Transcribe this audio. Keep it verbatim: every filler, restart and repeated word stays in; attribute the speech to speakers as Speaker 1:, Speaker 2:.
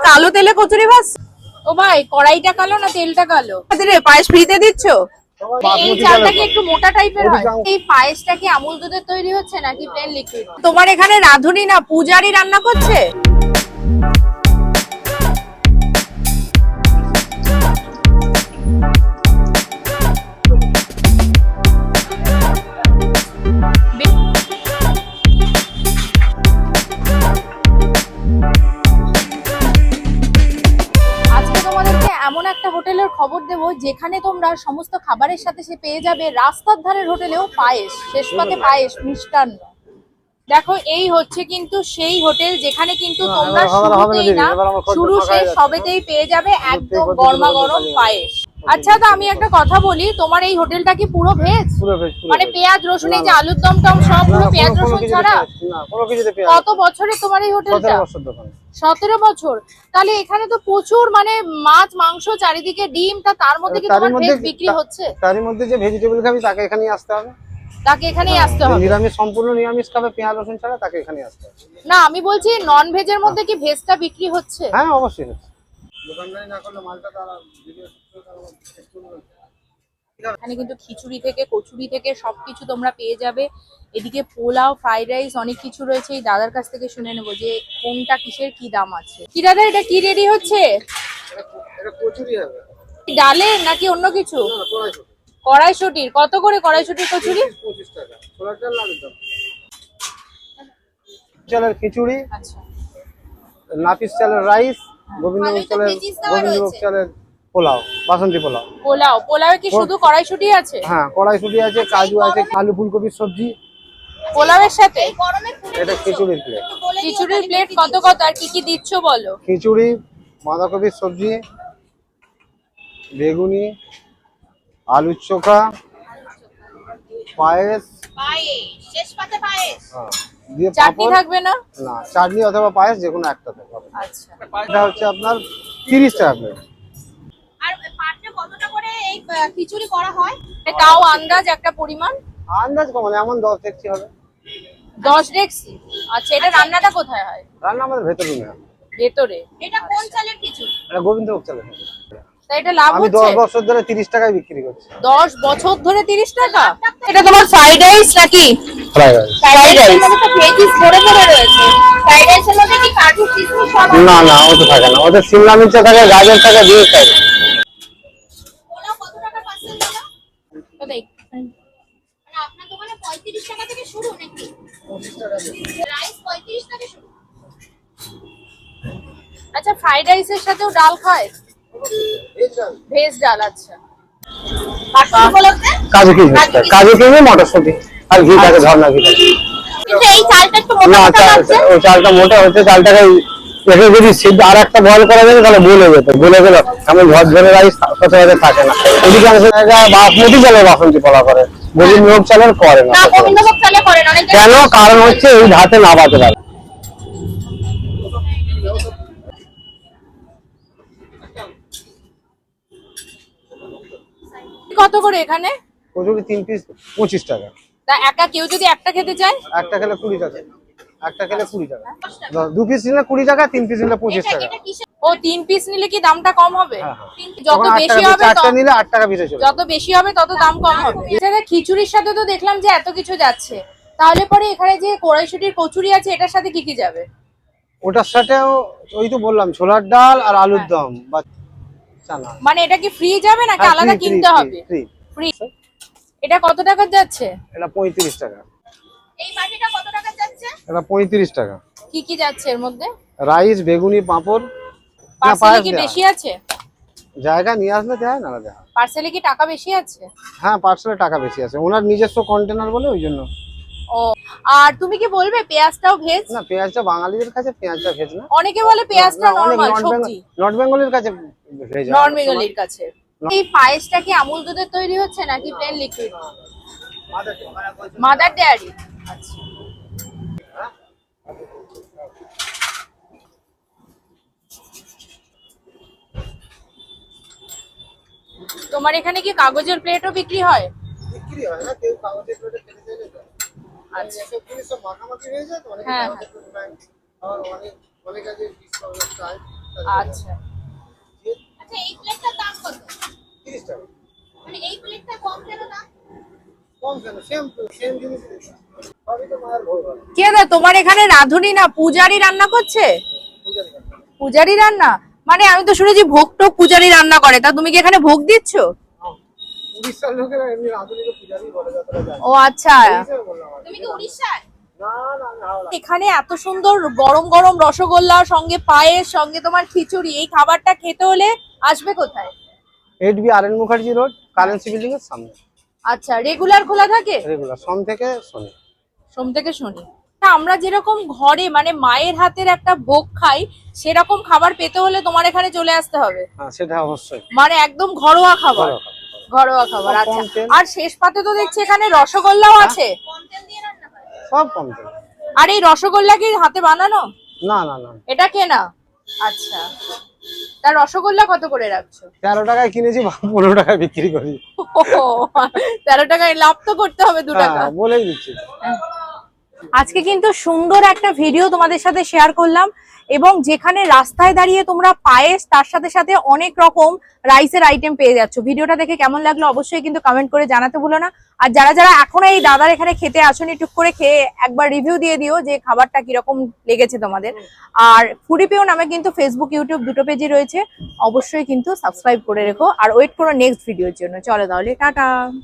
Speaker 1: কালো তেলে কচুরি ভাজ। ও ভাই, কড়াইটা কালো না তেলটা কালো? রে পায়েস ফ্রিতে দিচ্ছ? এই চালটা কি একটু মোটা টাইপের হয়? এই পায়েসটা কি আমুল দুধের তৈরি হচ্ছে নাকি প্লেন লিকুইড? তোমার এখানে রাঁধুনি না পূজারি রান্না করছে? এমন একটা হোটেলের খবর দেব যেখানে তোমরা সমস্ত খাবারের সাথে সে পেয়ে যাবে রাস্তার ধারের হোটেলেও পায়েস, শেষ পাতে পায়েস, মিষ্টান্ন। দেখো এই হচ্ছে কিন্তু সেই হোটেল যেখানে কিন্তু তোমরা শুরুতেই না শুরু শেষ সবেতেই পেয়ে যাবে একদম গরমা গরম পায়েস। আচ্ছা, তো আমি একটা কথা বলি, তোমার এই হোটেলটা কি পুরো ভেজ? মানে পেঁয়াজ রসুন, এই যে আলুর দম টম সব পুরো পেঁয়াজ রসুন ছাড়া? কত বছরে তোমার এই হোটেলটা? সতেরো বছর। তাহলে এখানে তো প্রচুর মানে মাছ মাংস চারিদিকে ডিম, তা তার মধ্যে কি তোমার ভেজ বিক্রি হচ্ছে?
Speaker 2: তার মধ্যে যে ভেজিটেবল খাবে তাকে এখানেই আসতে হবে।
Speaker 1: তাকে এখানেই আসতে হবে?
Speaker 2: নিরামিষ সম্পূর্ণ নিরামিষ খাবে পেঁয়াজ রসুন ছাড়া তাকে এখানেই আসতে হবে।
Speaker 1: না আমি বলছি নন ভেজের মধ্যে কি ভেজটা বিক্রি হচ্ছে?
Speaker 2: হ্যাঁ অবশ্যই হচ্ছে। দোকানদারি না করলে মালটা তারা ভিডিও
Speaker 1: এখানে কিন্তু খিচুড়ি থেকে কচুরি থেকে সবকিছু তোমরা পেয়ে যাবে। এদিকে পোলাও, ফ্রাইড রাইস অনেক কিছু রয়েছে। এই দাদার কাছ থেকে শুনে নেবো যে কোনটা কিসের কি দাম আছে। কি দাদা, এটা কি রেডি হচ্ছে?
Speaker 2: এটা কচুরি হবে।
Speaker 1: ডালের নাকি অন্য কিছু? কড়াইশুটির। কত করে কড়াইশুটির কচুরি?
Speaker 2: পঁচিশ টাকা। ছোলার ডাল আলুর দম। চালের খিচুড়ি,
Speaker 1: আচ্ছা,
Speaker 2: নাপিস চালের রাইস, গোবিন্দভোগ চালের গোবিন্দভোগ চালের পোলাও, বাসন্তী পোলাও।
Speaker 1: পোলাও, পোলাওয়ে কি শুধু কড়াইশুটি আছে?
Speaker 2: হ্যাঁ কড়াইশুটি আছে, কাজু আছে, আলু ফুলকপির সবজি
Speaker 1: পোলাওয়ের সাথে।
Speaker 2: এটা খিচুড়ির প্লেট।
Speaker 1: খিচুড়ির প্লেট কত কত আর কি কি দিচ্ছ বলো?
Speaker 2: খিচুড়ি, বাঁধাকপির সবজি, বেগুনি, আলুর চোখা, পায়েস,
Speaker 1: শেষ পাতে পায়েস।
Speaker 2: হ্যাঁ দিয়ে
Speaker 1: চাটনি থাকবে না?
Speaker 2: না, চাটনি অথবা পায়েস যে কোনো একটা থাকবে।
Speaker 1: আচ্ছা,
Speaker 2: এটা হচ্ছে আপনার তিরিশ টাকা প্লেট।
Speaker 1: আর পাটে কতটা করে এই খিচুড়ি করা হয়? তাও আন্দাজ একটা পরিমাণ?
Speaker 2: আন্দাজ কম মানে এমন দশ ডেকচি হবে।
Speaker 1: দশ ডেকচি। আচ্ছা, এটা রান্নাটা কোথায় হয়?
Speaker 2: রান্না আমাদের ভেতরে রুমে হয়।
Speaker 1: ভেতরে। এটা কোন চালের খিচুড়ি?
Speaker 2: এটা গোবিন্দভোগ চালের।
Speaker 1: তাই এটা লাভ হচ্ছে?
Speaker 2: আমি দশ বছর ধরে তিরিশ টাকায় বিক্রি করছি।
Speaker 1: দশ বছর ধরে তিরিশ টাকা? এটা তোমার ফ্রাইড রাইস নাকি?
Speaker 2: Fried rice.
Speaker 1: ফ্রাইড রাইস মানে তো ভেজিস ভরে ভরে রয়েছে। ফ্রাইড রাইসের মধ্যে কি কাজু কিশমিশ সব?
Speaker 2: না না ওটা থাকে না, ওটা শিমলা মির্চ থাকে, গাজর থাকে, বিনস থাকে।
Speaker 1: পোলাও কত টাকা পার্সেল দাদা? তো দেখ মানে আপনার দোকানে পঁয়ত্রিশ টাকা থেকে শুরু নাকি?
Speaker 2: পঁচিশ টাকা
Speaker 1: রাইস পঁয়ত্রিশ থেকে শুরু। আচ্ছা, ফ্রাইড রাইসের সাথেও ডাল খায়? ভেজ ডাল। আচ্ছা,
Speaker 2: কাজু কিশমিশ, কাজু কিশমিশ, মটরশুঁটি আর ঘি থাকে, ঝর্ণা ঘি থাকে।
Speaker 1: কিন্তু এই চালটা একটু মোটা মোটা লাগছে।
Speaker 2: ওই চালটা মোটা হচ্ছে, চালটাকে একে যদি সিদ্ধ আর একটা বয়েল করা যাবে তাহলে গলে যেত, গলে গেল এমন ঝরঝরে রাইস সচরাচর থাকে না। অধিকাংশ জায়গায় বাসমতি চালের বাসন্তী পোলাও করে, গোবিন্দভোগ চালের করে না।
Speaker 1: গোবিন্দভোগ চালে করে না অনেকে।
Speaker 2: কেন? কারণ হচ্ছে এই ভাতে না বাতে পারে।
Speaker 1: কত করে এখানে?
Speaker 2: কচুরি তিন পিস পঁচিশ টাকা।
Speaker 1: তা একা কেউ যদি একটা খেতে চায়?
Speaker 2: একটা খেলে কুড়ি টাকা। একটা খেলে কুড়ি টাকা। দু পিস নিলে কুড়ি টাকা, তিন পিস নিলে পঁচিশ টাকা।
Speaker 1: ও তিন পিস নিলে কি দামটা কম হবে?
Speaker 2: হ্যাঁ, হ্যাঁ।
Speaker 1: যত বেশি হবে
Speaker 2: চারটা নিলে আট টাকা পিসে চলে।
Speaker 1: যত বেশি হবে তত দাম কম হবে। এছাড়া খিচুড়ির সাথে তো দেখলাম যে এত কিছু যাচ্ছে, তাহলে পরে এখানে যে কড়াইশুটির কচুরি আছে এটার সাথে কি কি যাবে?
Speaker 2: ওটার সাথেও ওই তো বললাম ছোলার ডাল আর আলুর দম বা চানা।
Speaker 1: মানে এটা কি ফ্রি যাবে নাকি আলাদা কিনতে হবে?
Speaker 2: ফ্রি।
Speaker 1: ফ্রি। এটা কত টাকা যাচ্ছে?
Speaker 2: এটা পঁয়ত্রিশ টাকা।
Speaker 1: এই বাটিটা কত টাকা যাচ্ছে?
Speaker 2: এটা পঁয়ত্রিশ টাকা।
Speaker 1: কি কি যাচ্ছে এর মধ্যে?
Speaker 2: রাইস, বেগুনি, পাঁপড়।
Speaker 1: পার্সেলে কি বেশি আছে?
Speaker 2: জায়গা নিয়ে আসলে দেয় না দেয়।
Speaker 1: পার্সেলে কি টাকা বেশি আছে?
Speaker 2: হ্যাঁ পার্সেলে টাকা বেশি আছে, ওনার নিজস্ব কন্টেনার বলে ওই জন্য।
Speaker 1: ও, আর তুমি কি বলবে পেঁয়াজটাও ভেজ?
Speaker 2: না, পেঁয়াজটা বাঙালিদের কাছে পেঁয়াজটা ভেজ না।
Speaker 1: অনেকে বলে পেঁয়াজটা নরমাল সবজি।
Speaker 2: নর্থ বেঙ্গলের কাছে ভেজ।
Speaker 1: নর্থ বেঙ্গলের কাছে। এই পায়েসটা কি আমুল দুধের তৈরি হচ্ছে নাকি প্লেন লিকুইড? Mother dairy. আচ্ছা, তোমার এখানে কি কাগজের প্লেটও বিক্রি হয়?
Speaker 2: বিক্রি হয় না, কেউ কাগজের প্লেটে খেতে চাইলে তো।
Speaker 1: আচ্ছা,
Speaker 2: এসব জিনিস সব মাখামাখি হয়ে যায় তো, অনেকে
Speaker 1: হ্যাঁ
Speaker 2: কাগজের প্লেট নেয়, আবার অনেক অনেক আগে ডিসকাউন্ট চায়,
Speaker 1: আচ্ছা আচ্ছা এই প্লেটটার দাম কত?
Speaker 3: তিরিশ টাকা।
Speaker 1: মানে এই প্লেটটা কম কেন দাম?
Speaker 3: কম কেন? সেম সেম জিনিস। সবই তো মায়ের ভোগ হয়।
Speaker 1: কে দা তোমার এখানে রাঁধুনি না পূজারি রান্না করছে?
Speaker 3: পূজারি কাছে।
Speaker 1: পূজারি রান্না মানে আমি তো শুনেছি ভোগ টোক পূজারি রান্না করে, তা তুমি কি এখানে ভোগ দিচ্ছ?
Speaker 3: উড়িষ্যার লোকেরা এমনি রাঁধুনিকে পূজারি বলে, যতটা জানি।
Speaker 1: ও আচ্ছা,
Speaker 3: হিসেবে বললাম আর কি।
Speaker 1: তুমি কি উড়িষ্যার?
Speaker 3: না না আমি হাওড়া।
Speaker 1: এখানে এত সুন্দর গরম গরম রসগোল্লা সঙ্গে পায়েস সঙ্গে তোমার খিচুড়ি, এই খাবারটা খেতে হলে আসবে কোথায়?
Speaker 2: Eight B R N Mukherjee road, currency building এর সামনে।
Speaker 1: আচ্ছা রেগুলার খোলা থাকে?
Speaker 2: রেগুলার সোম থেকে শনি।
Speaker 1: সোম থেকে শনি। তা আমরা যেরকম ঘরে মানে মায়ের হাতের একটা ভোগ খাই, সেরকম খাবার পেতে হলে তোমার এখানে চলে আসতে হবে।
Speaker 2: হ্যাঁ সেটা অবশ্যই।
Speaker 1: মানে একদম ঘরোয়া খাবার।
Speaker 2: ঘরোয়া খাবার।
Speaker 1: ঘরোয়া খাবার,
Speaker 2: সব
Speaker 1: আচ্ছা।
Speaker 2: কম তেল।
Speaker 1: আর শেষ পাতে তো দেখছি এখানে রসগোল্লাও আছে।
Speaker 2: সব কম তেল।
Speaker 1: আর এই রসগোল্লা কি হাতে বানানো?
Speaker 2: না না না,
Speaker 1: এটা কেনা? আচ্ছা, তার রসগোল্লা কত করে রাখছো?
Speaker 2: তেরো টাকায় কিনেছি, পনেরো টাকায় বিক্রি করি।
Speaker 1: ওহো, তেরো টাকায় লাভ তো করতে হবে দু টাকা।
Speaker 2: হ্যাঁ বলেই দিচ্ছি।
Speaker 1: আজকে কিন্তু সুন্দর একটা ভিডিও তোমাদের সাথে শেয়ার করলাম, এবং যেখানে রাস্তায় দাঁড়িয়ে তোমরা পায়েস তার সাথে সাথে অনেক রকম রাইসের আইটেম পেয়ে যাচ্ছ। ভিডিওটা দেখে কেমন লাগলো অবশ্যই কিন্তু কমেন্ট করে জানাতে ভুলো না। আর যারা যারা এখনো এই দাদার এখানে খেতে আসোনি, টুক করে খেয়ে একবার রিভিউ দিয়ে দিও যে খাবারটা কিরকম লেগেছে তোমাদের। আর ফুডিপিও নামে কিন্তু ফেসবুক ইউটিউব দুটো পেজই রয়েছে, অবশ্যই কিন্তু সাবস্ক্রাইব করে রেখো আর ওয়েট করো নেক্সট ভিডিওর জন্য। চলো তাহলে টাটা।